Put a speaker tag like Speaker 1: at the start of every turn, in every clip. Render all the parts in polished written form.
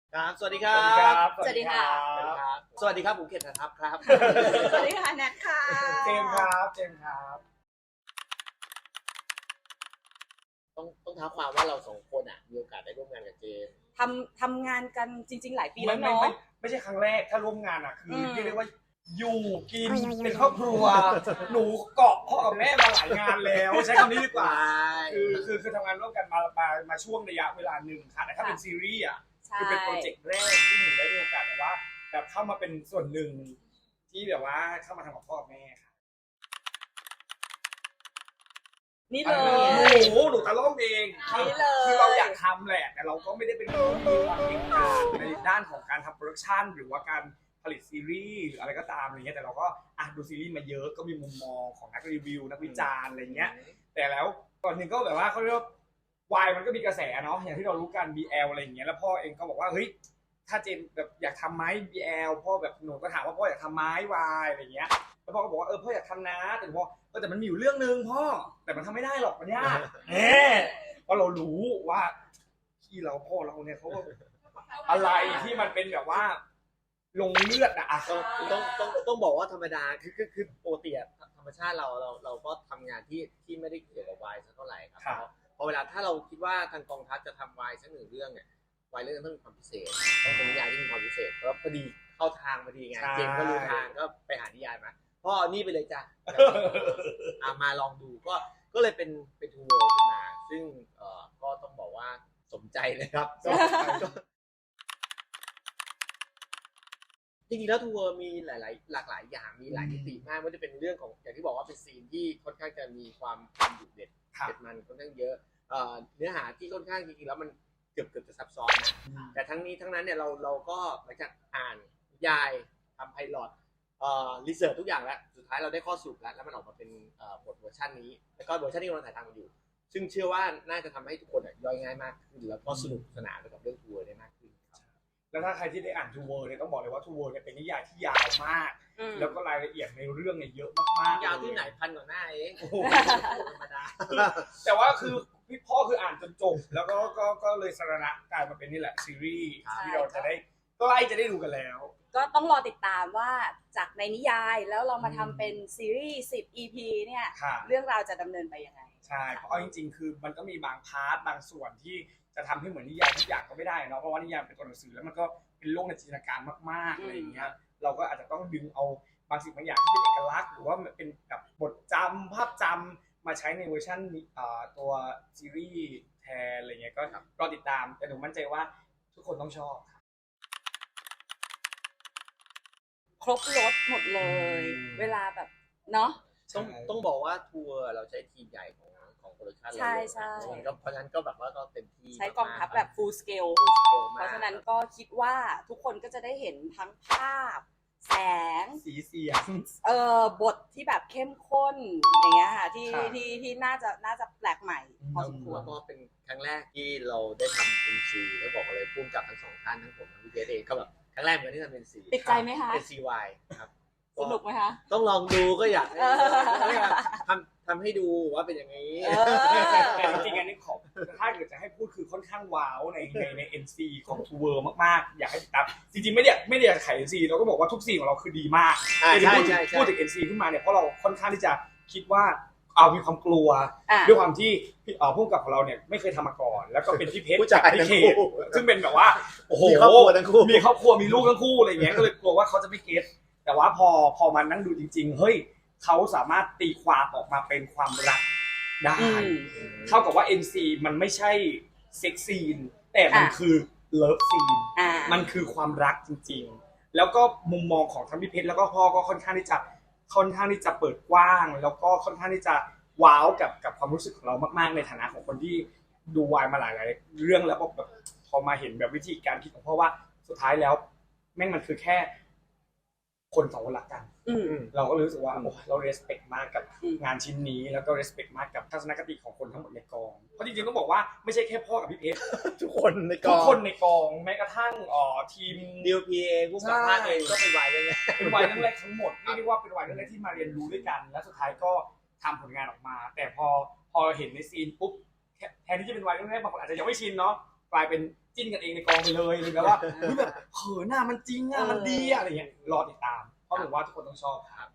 Speaker 1: ครับสวัสดีครับ
Speaker 2: สวัสดีค่ะ
Speaker 1: สวัสดีครับผมเขตทัพครับ
Speaker 2: สวัสดีค่ะแนทค่ะ
Speaker 3: เจมส์ครับ
Speaker 1: ต้องท้าความว่าเราสองคนมีโอกาสได้ร่วมงานกับเจมส์
Speaker 2: ทำงานกันจริงๆหลายปี
Speaker 3: ไม่
Speaker 2: แล้ว
Speaker 3: ไม่
Speaker 2: เนาะ
Speaker 3: ไม่ใช่ครั้งแรกถ้าร่วมงานคือเรียกได้ว่าอยู่กิน
Speaker 4: โอ้ย
Speaker 3: เป็นครอบครัว หนูเกาะพ่อกับแม่มาหลายงานแล้วใช้คำนี้ดีกว่า คือทำงานร่วมกันมาช่วงระยะเวลาหนึ่งค่ะแต่ถ้าเป็นซีรีส์
Speaker 2: ใช่
Speaker 3: คือเป็นโปรเจกต์แรกที่หนูได้มีโอกาสแบบเข้ามาเป็นส่วนหนึ่งที่แบบว่าเข้ามาทำกับพ่อกับแม่ค่ะ
Speaker 2: นี่เลย
Speaker 3: หนูตะล่อมเอง
Speaker 2: นี่เลย
Speaker 3: คือเราอยากทำแหละแต่เราก็ไม่ได้เป็นคนที่มีความเก่งกาจในด้านของการทำโปรดักชันหรือว่าการผลิตซีรีส์หรืออะไรก็ตามอะไรเงี้ยแต่เราก็ดูซีรีส์มาเยอะก็มีมุมมองของนักรีวิวนักวิจารณ์อะไรเงี้ยแต่แล้วก่อนหนึ่งก็แบบว่าเขาเรียกว่าวายมันก็มีกระแสเนาะอย่างที่เรารู้กัน BL อะไรอย่างเงี้ยแล้วพ่อเองก็บอกว่าเฮ้ยถ้าเจนแบบอยากทำไหม BL พ่อแบบหนูก็ถามว่าพ่ออยากทำไหมวายอะไรเงี้ยแล้วพ่อก็บอกว่าพ่ออยากทำนะแต่พ่อแต่มันมีอยู่เรื่องนึงพ่อแต่มันทำไม่ได้หรอกมันยากเพราะเรารู้ว่าที่เราพ่อเราเนี่ยเขาอะไรที่มันเป็นแบบว่าลงเลือด
Speaker 1: ต้องบอกว่าธรรมดาคือปกติธรรมชาติเราก็ทำงานที่ไม่ได้เกี่ยวกับวายสักเท่าไหร่ครับพอเวลาถ้าเราคิดว่าทางกองทัพจะทำวายสักหนึ่งเรื่องเนี่ยวายเรื่องต้องมีความพิเศษต้องเป็นนิยายที่มีความพิเศษเพราะพอดีเข้าทางพอดีไงเจมก็รู้ทางก็ไปหานิยายมาพ่อนี่ไปเลยจ้ะมาลองดูก็เลยเป็นทูเวิร์ขึ้นมาซึ่งก็ต้องบอกว่าสมใจเลยครับจริงๆแล้วทูเวิร์มีหลากหลายอย่างมีหลายมิติมากไม่ว่าจะเป็นเรื่องของอย่างที่บอกว่าเป็นซีนที่ค่อนข้างจะมีความดุเด็ดมันค่อนข้างเยอะเนื้อหาที่ค่อนข้างจริงๆแล้วมันเกือบจะซับซ้อนนะแต่ทั้งนี้ทั้งนั้นเนี่ยเราก็หลังจากอ่านนิยายทำไพลอตรีเสิร์ชทุกอย่างแล้วสุดท้ายเราได้ข้อสรุปแล้วมันออกมาเป็นบทเวอร์ชันนี้แล้วก็เวอร์ชันที่กำลังถ่ายทำอยู่ซึ่งเชื่อว่าน่าจะทำให้ทุกคนย่อยง่ายมากขึ้นแล้วก็สนุกสนานไปกับเรื่องทัวร์ได้มากขึ้น
Speaker 3: แล้วถ้าใครที่ได้อ่านทูเวิร์เนี่ยต้องบอกเลยว่าทูเวิร์เนี่ยเป็นนิยายที่ยาวมากแล้วก็รายละเอียดในเรื่องเนี่ยเยอะมากๆ
Speaker 1: ยาวที่ไหน1,000 กว่าหน้าเองธรรมดา
Speaker 3: แต่ว่าคือพี่พ่อคืออ่านจนจบแล้วก็เลยสรณะกลายมาเป็นนี่แหละซีรีส์ที่เราจะได้ใกล้จะได้ดูกันแล้ว
Speaker 2: ก็ต้องรอติดตามว่าจากในนิยายแล้วเรามาทำเป็นซีรีส์10 EP เนี่ยเรื่องราวจะดำเนินไปยังไง
Speaker 3: ใช่เพราะจริงๆคือมันก็มีบางพาร์ทบางส่วนที่จะทำให้เหมือนนิยายทุกอย่างก็ไม่ได้เนาะเพราะว่านิยายเป็นตัวหนังสือแล้วมันก็เป็นโลกในจินตนาการมากๆอะไรอย่างเงี้ยเราก็อาจจะต้องดึงเอาบางสิ่งบางอย่างที่เป็นเอกลักษณ์หรือว่าเป็นแบบบทจำภาพจำมาใช้ในเวอร์ชันตัวซีรีส์แทนอะไรเงี้ยก็รอติดตามแต่หนูมั่นใจว่าทุกคนต้องชอบ
Speaker 2: ครบรถหมดเลยเวลาแบบเนาะ
Speaker 1: ต้องบอกว่าทัวร์เราใช้ทีมใหญ่ของโปรดักชั่นเรา
Speaker 2: ใช่
Speaker 1: เพราะฉะนั้นก็แบบว่าก็เต็มที่
Speaker 2: ใช้กองทัพแบบ full scale เพราะฉะนั้นก็คิดว่าทุกคนก็จะได้เห็นทั้งภาพแสง
Speaker 3: สีเสียง
Speaker 2: บทที่แบบเข้มข้นอย่างเงี้ยค่ะที่น่าจะแปลกใหม่พอสมควร
Speaker 1: ก็เป็นครั้งแรกที่เราได้ทำ NC แล้วบอกเลยพุ่งกับทั้งสองท่านทั้งผมทั้งพี่เจเองก็แบบครั้งแรกเหมือนที่ทำ NC
Speaker 2: ติดใจไหมคะ
Speaker 1: NCY ครับ
Speaker 2: สนุกไหมคะ
Speaker 1: ต้องลองดูก็อยากทำให้ดูว่าเป็นอย่างนี้
Speaker 3: แต่จริงๆอันนี้ขอถ้าเกิดจะให้พูดคือค่อนข้างว้าวใน NC ของทูเวิร์มากๆอยากให้ติดตามจริงๆไม่ได้ขาย NC เราก็บอกว่าทุกซีนของเราคือดีมากพูดถึง NC ขึ้นมาเนี่ยเพราะเราค่อนข้างที่จะคิดว่ามีความกลัวด้วยความที่ผู้กำกับของเราเนี่ยไม่เคยทำมาก่อนแล้วก็เป็นพี่เพชร
Speaker 1: จาก
Speaker 3: พี่เขตซึ่งเป็นแบบว่าโอ้โห
Speaker 1: มีครอบครัวทั้งคู่
Speaker 3: มีลูกทั้งคู่อะไรอย่างเงี้ยก็เลยกลัวว่าเขาจะไม่เก็ตแต่ว่าพอมันนั่งดูจริงๆเฮ้ยเขาสามารถตีความออกมาเป็นความรักได้เท่ากับว่า NC มันไม่ใช่เซ็กซีนแต่มันคือเลิฟซีนมันคือความรักจริงๆแล้วก็มุมมองของทั้งพี่เพชรแล้วก็พ่อก็ค่อนข้างที่จะเปิดกว้างแล้วก็ค่อนข้างที่จะว้าวกับความรู้สึกของเรามากๆในฐานะของคนที่ดูวายมาหลายๆเรื่องแล้วแบบพอมาเห็นแบบวิธีการคิดของพ่อว่าสุดท้ายแล้วแม่งมันคือแค่คนสองคนรักกันเราก็รู้สึกว่าเรา respect มากกับงานชิ้นนี้แล้วก็ respect มากกับทัศนคติของคนทั้งหมดในกองเพราะจริงๆต้องบอกว่าไม่ใช่แค่พ่อกับพี่เพชร
Speaker 1: ทุกคนในก
Speaker 3: องแม้กระทั่งทีม
Speaker 1: DOPA ผู้กำกับเองก็เป็นวายเรื่องแรก
Speaker 3: เป็นวายเรื่องแรกทั้งหมดเรียกว่าเป็นวายเรื่องแรกที่มาเรียนรู้ด้วยกันและสุดท้ายก็ทำผลงานออกมาแต่พอเห็นในซีนปุ๊บแทนที่จะเป็นวายเรื่องแรกบางคนอาจจะยังไม่ชินเนาะกลายเป็นจิ้นกันเองในกองไปเลยแบบว่าแบบเขินหน้ามันจริงอ่ะมันดีอะอะไรเงี้ยรอติดตามเพราะผมว่าทุกคนต้องชอบครับ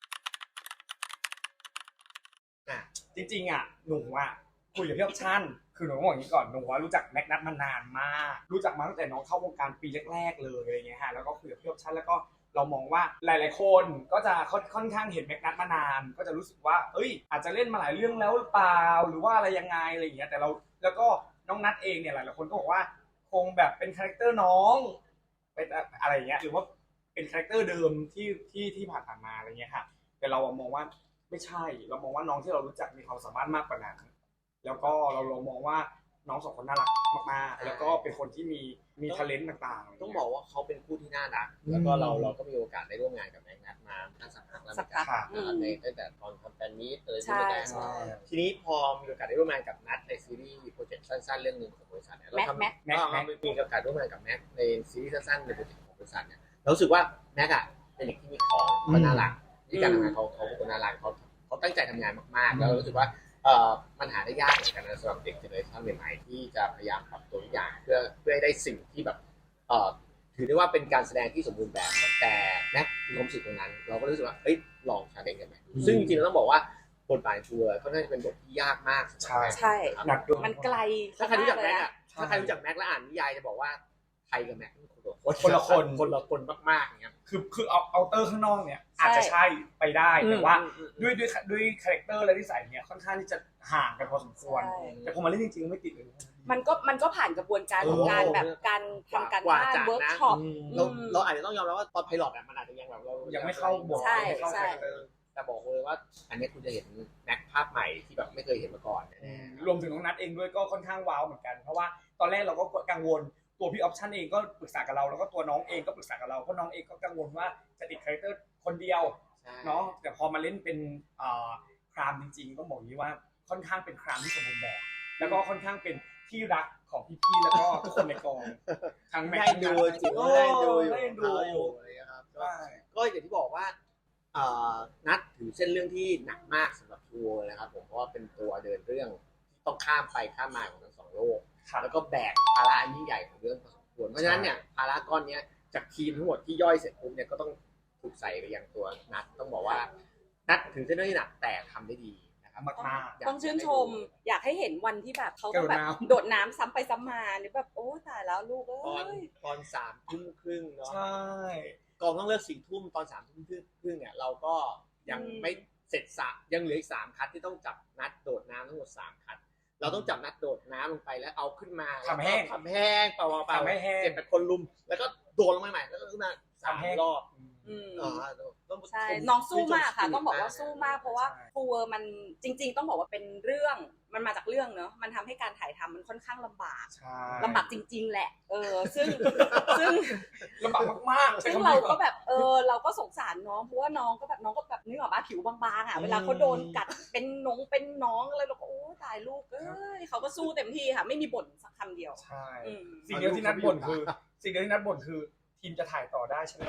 Speaker 3: จริงๆอ่ะหนูอ่ะคุยกับพี่ออปชั่นคือหนูต้องบอกอย่างนี้ก่อนหนูว่ารู้จักแม็กนัทมานานมากรู้จักมาตั้งแต่น้องเข้าวงการปีแรกๆเลยอะไรเงี้ยฮะแล้วก็คุยกับพี่ออปชั่นแล้วก็เรามองว่าหลายๆคนก็จะค่อนข้างเห็นแม็กนัทมานานก็จะรู้สึกว่าเอ้ยอาจจะเล่นมาหลายเรื่องแล้วหรือเปล่าหรือว่าอะไรยังไงอะไรอย่างเงี้ยแต่เราแล้วก็น้องนัทเองเนี่ยหลายๆคนก็บอกว่าคงแบบเป็นคาแรคเตอร์น้องเป็นอะไรอย่างเงี้ยหรือว่าเป็นคาแรคเตอร์เดิมที่ผ่านมาอะไรเงี้ยค่ะแต่เรามองว่าไม่ใช่เรามองว่าน้องที่เรารู้จักมีความสามารถมากกว่านั้นแล้วก็เรามองว่าน้องสองคนน่ารักมากๆแล้วก็เป็นคนที่มีtalentต่างๆ
Speaker 1: ต้องบอกว่าเขาเป็นคู่ที่น่ารักแล้วก็เราก็มีโอกาสได้ร่วมงานกับแม็กนัทมาสักพักแล้วเหมือนกันในตั้งแต่ตอนทำแฟนมีตเลยที่ไม่ได้ทีนี้พอมีโอกาสได้ร่วมงานกับนัทในซีรีส์โปรเจกต์สั้นๆเรื่องนึงของบริษัทเนี่ยเราทำมีโอกาสร่วมงานกับแม็กในซีรีส์สั้นๆในโปรเจกต์ของบริษัทเนี่ยเรารู้สึกว่าแม็กอะเป็นเด็กที่มีของเขาน่ารักที่การทำงานเขาเป็นคนน่ารักเขาตั้งใจทำงานมากๆแล้วเรารู้สึกว่ามันหาได้ยากเหมือนกันนะสำหรับเด็กเจเนอเรชันใหม่ๆที่จะพยายามปรับตัวทุกอย่างเพื่อให้ได้สิ่งที่แบบถือได้ว่าเป็นการแสดงที่สมบูรณ์แบบแต่แม็กมีความรู้สึกตรงนั้นเราก็รู้สึกว่าเฮ้ยลองชาเลนจ์กันไหมซึ่งจริงๆเราต้องบอกว่าบทบาททัวร์เขาน่าจะเป็นบทที่ยากมาก
Speaker 2: ใช่มันไกล
Speaker 1: ถ้าใครรู้จักแม็กถ้าใครรู้จักแม็กและอ่านนิยายจะบอกว่าไทยกับแม็ก
Speaker 3: คนละ
Speaker 1: คนมากๆอย่างเงี้ย
Speaker 3: คือเอาเตอร์ข้างนอกเนี่ยอาจจะใช่ไปได้แต่ว่าด้วยคาแรคเตอร์และนิสัยเนี่ยค่อนข้างที่จะห่างกันพอสมควรแต่พอมาเล่นจริงๆไม่ติดเลย
Speaker 2: มันก็ผ่านกระบวนการของการแบบการทำการบ้านเวิร์กช็อป
Speaker 1: เราอาจจะต้องยอมรับว่าตอนไพลอตมันอาจจะยังแบบเรา
Speaker 3: ยังไม่เข้าบท
Speaker 2: ใช่
Speaker 1: แต่บอกเลยว่าอันนี้คุณจะเห็นแม็กภาพใหม่ที่แบบไม่เคยเห็นมาก่อน
Speaker 3: รวมถึงน้องนัทเองด้วยก็ค่อนข้างว้าวเหมือนกันเพราะว่าตอนแรกเราก็กังวลตัวพี่ออปชั่นเองก็ปรึกษากับเราแล้วก็ตัวน้องเองก็ปรึกษากับเราเพราะน้องเองก็กังวลว่าจะติดคาแรคเตอร์คนเดียวเนาะแต่พอมาเล่นเป็นครามจริงๆต้องบอกอย่างนี้ว่าค่อนข้างเป็นครามที่สมบูรณ์แบบแล้วก็ค่อนข้างเป็นที่รักของพี่ๆแล้วก็ทุกคนในกองทั้งแม็กซ์
Speaker 1: ดูจริงได้ดูอยู่อะไรครับก็อย่างที่บอกว่านัดถือเส้นเรื่องที่หนักมากสำหรับทัวร์นะครับผมเพราะว่าเป็นตัวเดินเรื่องที่ต้องข้ามไปข้ามมาของทั้งสองโลกแล้วก็แบกภาระอันยิ่งใหญ่ของเรื่องพอสมควรเพราะฉะนั้นเนี่ยภาระก้อนนี้จากทีมทั้งหมดที่ย่อยเสร็จปุ๊บเนี่ยก็ต้องถูกใส่ไปยังตัวนัดต้องบอกว่านัดถึงเส้นเรื่องที่หนักแต่ทำได้ดีนะครับ
Speaker 3: มาก
Speaker 2: ต้องชื่นชมอยากให้เห็นวันที่แบบเขาแบบโดดน้ำซ้ำไปซ้ำมาเนี่ยแบบโอ้ตายแล้วลูก
Speaker 1: ตอน3:30เนาะ
Speaker 3: ใช่
Speaker 1: กองต้องเลิก4:00ตอน3:30เนี่ยเราก็ยังไม่เสร็จยังเหลืออีก3คัดที่ต้องจับนัดโดดน้ำทั้งหมด3คัดเราต้องจับนัดโดดน้ำลงไปแล้วเอาขึ้นมา
Speaker 3: ทำแห้ง
Speaker 1: เปล่า7-8คนลุมแล้วก็โดดลงใหม่แล้วก็ขึ้นมา3 รอบ
Speaker 2: ใช่น้องสู้มากค่ะต้องบอกว่าสู้มากเพราะว่าทัวร์มันจริงๆต้องบอกว่าเป็นเรื่องมันมาจากเรื่องเนอะมันทำให้การถ่ายทำมันค่อนข้างลำบากจริงๆแหละซึ่ง
Speaker 3: ลำบากมาก
Speaker 2: ซึ่งเราก็แบบเราก็สงสารน้องเพราะว่าน้องก็แบบนึกออกมาผิวบางๆอ่ะเวลาเขาโดนกัดเป็นน้องอะไรเราก็โอ้ตายลูกเขาก็สู้เต็มที่ค่ะไม่มีบ่นสักคำเดียว
Speaker 3: ใช่สิ่งเดียวที่นัดบ่นคือทีมจะถ่ายต่อได้ใช่ไหม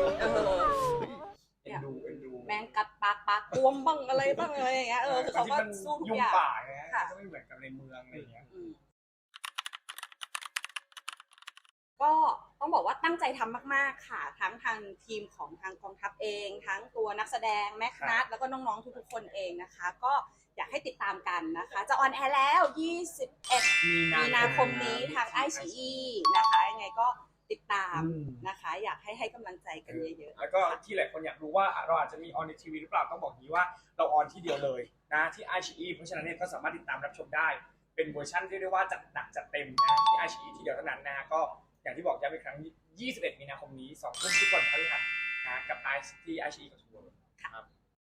Speaker 3: เอ็นดู
Speaker 2: แมงกัดปากบวมบ้างอะไรบ้างอะไรอย่างเงี้ยคือเขาก็สู้ทุกอย่าง
Speaker 3: ยุ่งป่าไงก็ไม่เหมือนกับในเมืองอะไรอย่างเงี้ย
Speaker 2: ก็ต้องบอกว่าตั้งใจทำมากๆค่ะทั้งทางทีมของทางกองทัพเองทั้งตัวนักแสดงแม็กนัทแล้วก็น้องๆทุกๆคนเองนะคะก็อยากให้ติดตามกันนะคะจะออนแอร์แล้ว21 มีนาคมนี้ทางiQIYIนะคะยังไงก็ติดตามนะคะอยากให้กำลังใจกันเยอะๆ
Speaker 3: แล้วก็ที่หลายคนอยากรู้ว่าเราอาจจะมีออนในทีวีหรือเปล่าต้องบอกนี้ว่าเราออนที่เดียวเลยนะที่iQIYIเพราะฉะนั้นเนี่ยก็สามารถติดตามรับชมได้เป็นเวอร์ชันที่เรียกว่าจัดหนักจัดเต็มนะที่iQIYIที่เดียวเท่านั้นนะก็อย่างที่บอกย้ำอีกครั้ง21 มีนาคมนี้ 20:00 นทุกวันพฤหัสนะกับที่iQIYIกับทัวร์ครับ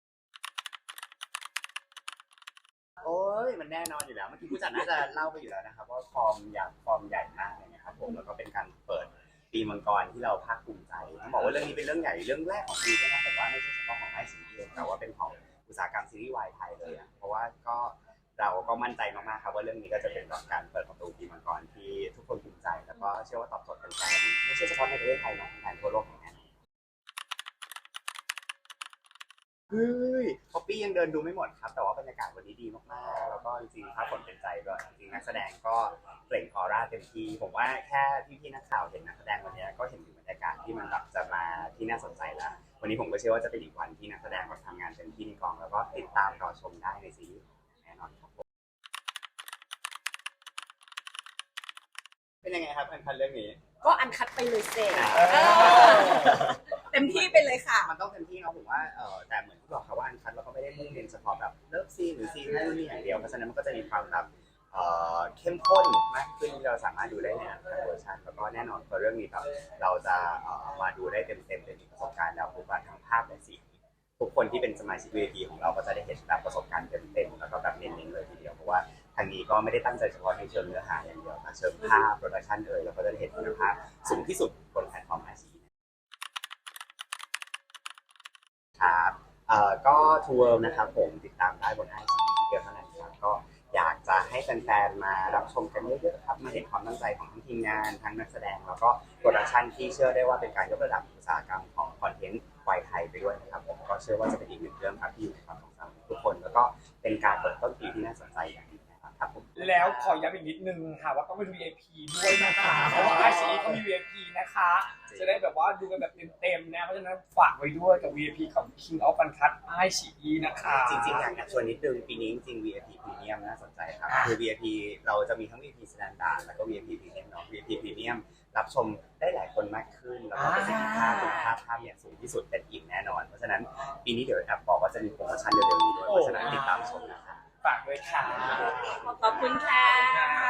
Speaker 4: โอ้ยมันแน่นอนอยู่แล้วเมื่อกี้ผู้จัดน่าจะเล่าไปอยู่แล้วนะครับว่าฟอร์มใหญ่มากเลยนะครับผมแล้วก็เป็นการเปิดปีมังกรที่เราภาคภูมิใจต้องบอกว่าเรื่องนี้เป็นเรื่องใหญ่เรื่องแรกของปีด้วยนะผมว่าไม่ใช่เฉพาะของiQIYIเองแต่ว่าเป็นของอุตสาหกรรมซีรีส์วายไทยเลยเพราะว่าเราก็มั่นใจมากๆครับว่าเรื่องนี้ก็จะเป็นการเปิดประตูปีมังกรที่ทุกคนภูมิใจแล้วก็เชื่อว่าตอบโจทย์แฟนๆไม่ใช่เฉพาะในประเทศไทยนะแฟนทั่วโลกแน่นอน
Speaker 1: เฮ้ยพอ
Speaker 4: ปี้ยังเดินดูไม่หมดครับแต่ว่าบรรยากาศวันนี้ดีมากๆแล้วก็จริงๆถ้าผลเป็นใจด้วยจริงๆนักแสดงก็เปล่งออร่าเต็มที่ผมว่าแค่พี่ๆนักข่าวเห็นนักแสดงวันนี้ก็เห็นถึงบรรยากาศที่มันแบบจะมาที่น่าสนใจแล้ววันนี้ผมก็เชื่อว่าจะเป็นอีกวันที่นักแสดงทำงานเต็มที่ในกองแล้วก็ติดตามรอชมได้ในซีรีส์แน่นอนครับผมเป็นยังไงครับอันคันเรื่องนี้
Speaker 2: ก็อันคัดไปเลยเสร็จเต็มที่ไปเลยค่ะ
Speaker 4: มันต้องเต็มที่เนาะผมว่าแต่เหมือนที่บอกครับว่าอันคัดเราก็ไม่ได้มุ่งเน้นเฉพาะแบบเลิฟซีนหรือซีนนั่นนี่อย่างเดียวเพราะฉะนั้นมันก็จะมีความแบบเข้มข้นมากขึ้นที่เราสามารถดูได้ในอันคัดเวอร์ชันแล้วก็แน่นอนพอเรื่องนี้แบบเราจะมาดูได้เต็มๆมีประสบการณ์แล้วคือว่าทั้งภาพและเสียงทุกคนที่เป็นสมาชิก VIP ของเราก็จะได้เห็นแบบประสบการณ์เต็มๆแล้วก็แบบเน้นๆเลยทีเดียวเพราะว่าทางนี้ก็ไม่ได้ตั้งใจเฉพาะในเชิงเนื้อหาอย่างเดียวแต่เชิงภาพโปรดักชันเราก็จะได้เห็นคุณภาพสูงที่สุดบนแพลตฟอร์มไอซีครับก็ทัวร์นะครับผมติดตามได้บนไอซีที่เดียวเท่านั้นครับก็อยากจะให้แฟนๆมารับชมกันเยอะๆครับมาเห็นความตั้งใจของทั้งทีมงานทั้งนักแสดงแล้วก็โปรดักชันที่เชื่อได้ว่าเป็นการยกระดับอุตสาหกรรมของคอนเทนต์วัยไทยไปด้วยนะครับผมก็เชื่อว่าจะเป็นอีกหนึ่งเรื่องครับที่อยู่ในความทรงจำทุกคนแล้วก็เป็นการเปิดต้นปีที่น่าสนใจอย่างยิ่งนะครับผม
Speaker 3: แล้วขอย้ำอีกนิดนึงค่ะว่าต้องเป็น VIP ด้วยนะคะเพราะว่า ICE เขามี VIP นะคะจะได้แบบว่าดูกันแบบเต็มๆนะเพราะฉะนั้นฝากไว้ด้วยกับ VIP ของ King of Uncut ICE นะคะ
Speaker 4: จริงๆอยากจะชวนนิดนึงปีนี้จริงๆ VIP Premium น่าสนใจครับคือ VIP เราจะมีทั้ง VIP Standard แล้วก็ VIP Premium เนาะ VIP Premium รับชมได้หลายคนมากขึ้นแล้วก็ประสิทธิภาพคุณภาพเนี่ยสูงที่สุดเป็นอิ่มแน่นอนเพราะฉะนั้นปีนี้เดี๋ยวแอบบอกว่าจะมีโปรโมชั่นเร็วๆนี้ด้วยเพราะฉะนั้นติดตามชมนะครับ
Speaker 3: ฝากด้วยค่ะ
Speaker 2: ขอบคุณค่ะ